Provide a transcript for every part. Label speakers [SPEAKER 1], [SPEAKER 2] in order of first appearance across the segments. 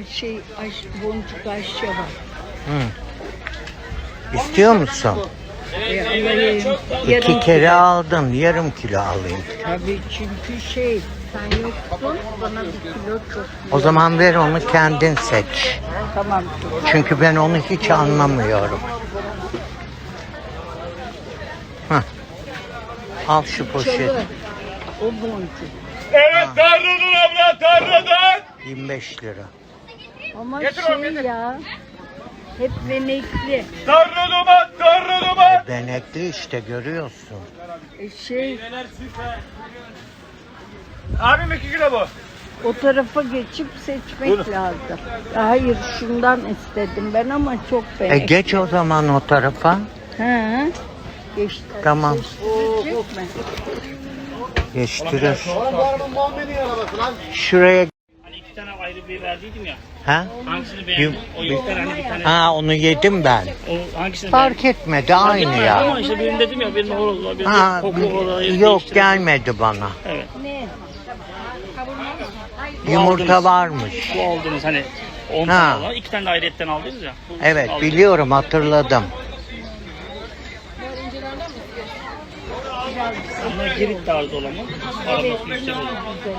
[SPEAKER 1] boncuk ayşe var.
[SPEAKER 2] Hı. İstiyor musun?
[SPEAKER 1] Alayım.
[SPEAKER 2] 2 kere aldın. Yarım kilo alayım.
[SPEAKER 1] Tabii çünkü sen yoktun. Bana 1 kilo çok.
[SPEAKER 2] O zaman ver onu kendin seç.
[SPEAKER 1] Tamam.
[SPEAKER 2] Çünkü ben onu hiç anlamıyorum. Hah. Al şu poşet.
[SPEAKER 1] Çalı. O boncuk.
[SPEAKER 3] Evet tarladın abla tarladın.
[SPEAKER 2] 25 lira.
[SPEAKER 1] Ama
[SPEAKER 3] Getir
[SPEAKER 1] ya. Hep benekli.
[SPEAKER 3] Tarladın.
[SPEAKER 2] Benekli işte görüyorsun.
[SPEAKER 3] Abim 2 kilo bu.
[SPEAKER 1] O tarafa geçip seçmek lazım. Hayır şundan istedim ben ama çok benekli.
[SPEAKER 2] Geç o zaman o tarafa.
[SPEAKER 1] He. Geçti.
[SPEAKER 2] Tamam.
[SPEAKER 1] Geçtirecek mi?
[SPEAKER 2] Geçtirir. Şuraya.
[SPEAKER 4] Hani 2 tane ayrı bir verdiydim ya.
[SPEAKER 2] Ha?
[SPEAKER 4] Hangisini beğendin? O yoklar hani bir tane.
[SPEAKER 2] Ha onu yedim ben.
[SPEAKER 4] O hangisini
[SPEAKER 2] Fark etmedi aynı ya.
[SPEAKER 4] Ama işte birini dedim ya, birinin horozu, birinin
[SPEAKER 2] Ha,
[SPEAKER 4] koklu horozu.
[SPEAKER 2] yok gelmedi bana.
[SPEAKER 4] Evet.
[SPEAKER 1] Ne?
[SPEAKER 2] Yumurta varmış.
[SPEAKER 4] Bu aldınız hani 10
[SPEAKER 2] Ha.
[SPEAKER 4] tane olan, 2 tane de ayrıyetten aldınız ya. Bu
[SPEAKER 2] Evet
[SPEAKER 4] aldınız.
[SPEAKER 2] biliyorum hatırladım.
[SPEAKER 4] Ama girit tarzı olan mı? Aroması yüksek olan.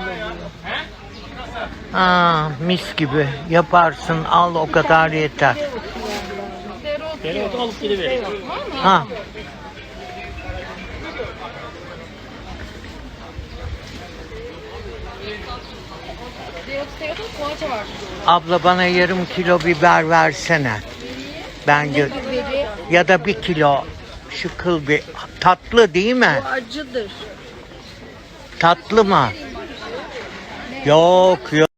[SPEAKER 2] Mis gibi yaparsın al o kadar yeter.
[SPEAKER 4] Dereotu alıp gidiverin.
[SPEAKER 2] Ha. Abla bana yarım kilo biber versene. Ya da 1 kilo şu kıl bir tatlı değil mi?
[SPEAKER 1] Bu acıdır.
[SPEAKER 2] Tatlı mı? Yok yok.